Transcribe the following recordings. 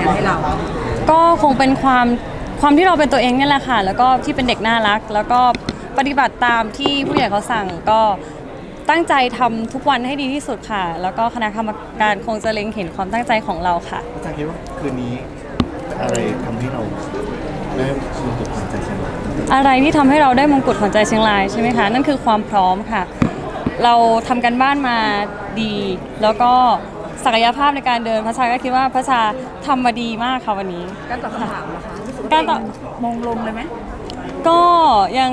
นให้เราก็คงเป็นความที่เราเป็นตัวเองนี่แหละค่ะแล้วก็ที่เป็นเด็กน่ารักแล้วก็ปฏิบัติตามที่ผู้ใหญ่เขาสั่งก็ตั้งใจทำทุกวันให้ดีที่สุดค่ะแล้วก็คณะกรรมการคงจะเล็งเห็นความตั้งใจของเราค่ะอาจารย์คิดว่าคืนนี้อะไรทำให้เราได้มงกุฎขวัญใจเชียงรายอะไรที่ทำให้เราได้มงกุฎขวัญใจเชียงรายใช่ไหมคะนั่นคือความพร้อมค่ะเราทำกันบ้านมาดีแล้วก็ศักยภาพในการเดินพระชาก็คิดว่าพระชาทำมาดีมากค่ะวันนี้การตอบคำถามนะคะการตอบมงลงเลยไหมก็ยัง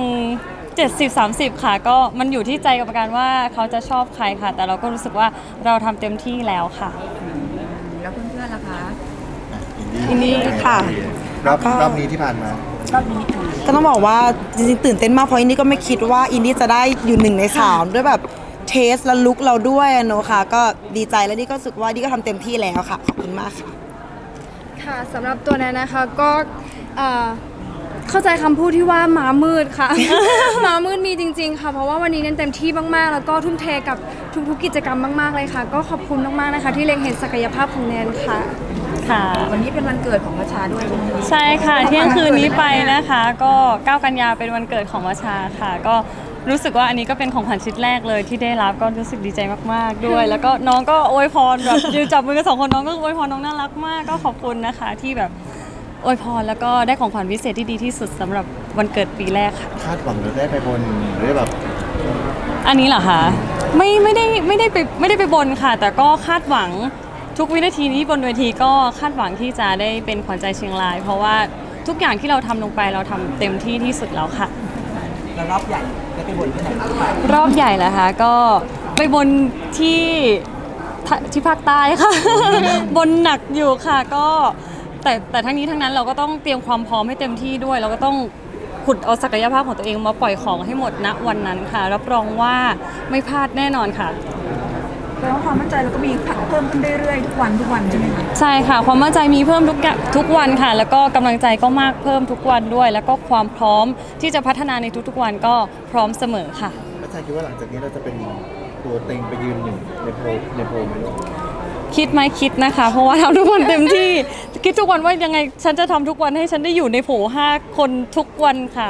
70-30ค่ะก็มันอยู่ที่ใจกรรมการว่าเขาจะชอบใครค่ะแต่เราก็รู้สึกว่าเราทำเต็มที่แล้วค่ะแล้วเพื่อนๆล่ะคะอินดี้ค่ะรอบนี้ที่ผ่านมารอบนี้ก็ต้องบอกว่าจริงๆตื่นเต้นมากเพราะอินดี้ก็ไม่คิดว่าอินดี้จะได้อยู่1 ใน 3ด้วยแบบเทสและลุคเราด้วยเนอะค่ะก็ดีใจและนี่ก็รู้สึกว่านี่ก็ทำเต็มที่แล้วค่ะขอบคุณมากค่ะค่ะสำหรับตัวนั้นนะคะก็เข้าใจคำพูดที่ว่าม้ามืดค่ะ ม้ามืดมีจริงๆค่ะเพราะว่าวันนี้เน้นเต็มที่มากๆแล้วก็ทุ่มเทกับทุกๆกิจกรรมมากๆเลยค่ะก็ขอบคุณมากๆนะคะที่เล็งเห็นศักยภาพของแนนค่ะค่ะวันนี้เป็นวันเกิดของประชาด้วยใช่ค่ะเที่ยงคืนนี้ไปนะคะก็9 กันยาเป็นวันเกิดของประชาค่ะก็รู้สึกว่าอันนี้ก็เป็นของขวัญชิ้นแรกเลยที่ได้รับก็รู้สึกดีใจมากๆด้วยแล้วก็น้องก็อวยพรแบบยืนจับมือกัน2 คนน้องก็อวยพรน้องน่ารักมากก็ขอบคุณนะคะที่แบบอวยพรแล้วก็ได้ของขวัญพิเศษที่ดีที่สุดสำหรับวันเกิดปีแรกค่ะคาดหวังหรือได้ไปบนหรือแบบอันนี้เหรอคะไม่ได้ไปบนค่ะแต่ก็คาดหวังทุกวินาทีที่บนเวทีก็คาดหวังที่จะได้เป็นขวัญใจเชียงรายเพราะว่าทุกอย่างที่เราทำลงไปเราทำเต็มที่ที่สุดแล้วค่ะแล้วรอบใหญ่ได้ไปบนที่ไหนรอบใหญ่เหรอคะก็ไปบนที่ภาคใต้ค่ะ บนหนักอยู่ค่ะก็แต่ทั้งนี้ทั้งนั้นเราก็ต้องเตรียมความพร้อมให้เต็มที่ด้วยเราก็ต้องขุดเอาศักยภาพของตัวเองมาปล่อยของให้หมดณวันนั้นค่ะรับรองว่าไม่พลาดแน่นอนค่ะแปลว่าความมั่นใจเราก็มีเพิ่มขึ้นเรื่อยๆทุกวันใช่ไหมคะใช่ค่ะความมั่นใจมีเพิ่มทุกวันค่ะแล้วก็กำลังใจก็มากเพิ่มทุกวันด้วยแล้วก็ความพร้อมที่จะพัฒนาในทุกๆวันก็พร้อมเสมอค่ะอาจารย์คิดว่าหลังจากนี้เราจะเป็นตัวเต็งไปยืนหนึ่งในโพลไหมคิดไหมคิดนะคะเพราะว่าทำทุกวันเต็มที่คิดทุกวันว่ายังไงฉันจะทำทุกวันให้ฉันได้อยู่ในโผล่5 คนทุกวันค่ะ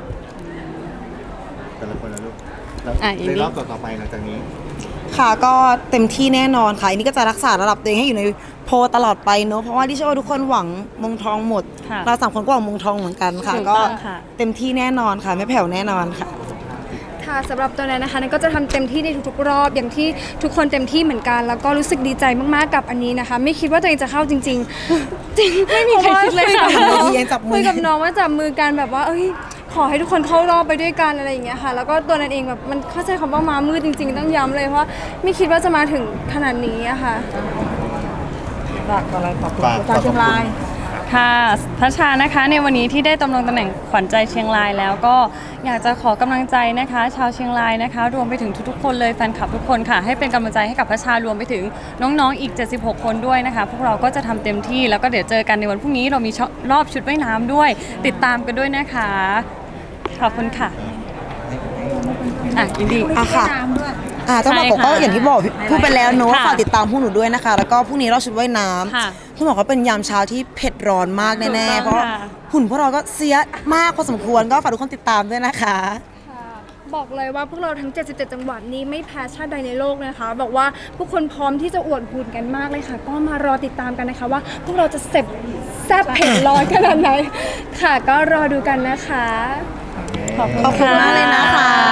แต่ละคนนะลูกในรอบต่อไปหลังจากนี้ค่ะก็เต็มที่แน่นอนค่ะอันนี้ก็จะรักษาระดับตัวเองให้อยู่ในโพลตลอดไปเนอะเพราะว่าที่เชื่อว่าทุกคนหวังมงทองหมดเรา3 คนก็หวังมงทองเหมือนกันค่ะก็เต็มที่แน่นอนค่ะไม่แผ่วแน่นอนค่ะค่ะสำหรับตัวนั้นนะคะนั่นก็จะทำเต็มที่ในทุกๆรอบอย่างที่ทุกคนเต็มที่เหมือนกันแล้วก็รู้สึกดีใจมากๆกับอันนี้นะคะไม่คิดว่าตัวเองจะเข้าจริงๆจริงไม่มีใครคิดเลยค่ะคุยกับน้องว่าจับมือกันแบบว่าขอให้ทุกคนเข้ารอบไปด้วยกันอะไรอย่างเงี้ยค่ะแล้วก็ตัวนั้นเองแบบมันเข้าใจคำว่าม้ามืดจริงๆต้องย้ำเลยเพราะไม่คิดว่าจะมาถึงขนาดนี้อะค่ะฝากอะไรขอบคุณประชาเชียงรายค่ะพระชานะคะในวันนี้ที่ได้ดำรงตำแหน่งขวัญใจเชียงรายแล้วก็อยากจะขอกำลังใจนะคะชาวเชียงรายนะคะรวมไปถึงทุกๆคนเลยแฟนคลับทุกคนค่ะให้เป็นกำลังใจให้กับพระชารวมไปถึงน้องๆอีก76 คนด้วยนะคะพวกเราก็จะทำเต็มที่แล้วก็เดี๋ยวเจอกันในวันพรุ่งนี้เรามีรอบชุดว่ายน้ำด้วยติดตามกันด้วยนะคะขอบคุณค่ะยินดีค่ะต้องบอกก็อย่างที่บอกพูดไปแล้วเนอะฝากติดตามพวกหนูด้วยนะคะแล้วก็พรุ่งนี้เราชุดว่ายน้ำคุณบอกว่าเป็นยามเช้าที่เผ็ดร้อนมากแน่ๆเพราะหุ่นพวกเราก็เสียมากพอสมควรก็ฝากทุกคนติดตามด้วยนะคะบอกเลยว่าพวกเราทั้ง77 จังหวัดนี้ไม่แพ้ชาติใดในโลกนะคะบอกว่าผู้คนพร้อมที่จะอวดหุ่นกันมากเลยค่ะก็มารอติดตามกันนะคะว่าพวกเราจะแซ่บเผ็ดร้อนขนาดไหนค่ะก็รอดูกันนะคะขอบคุณมากเลยนะคะ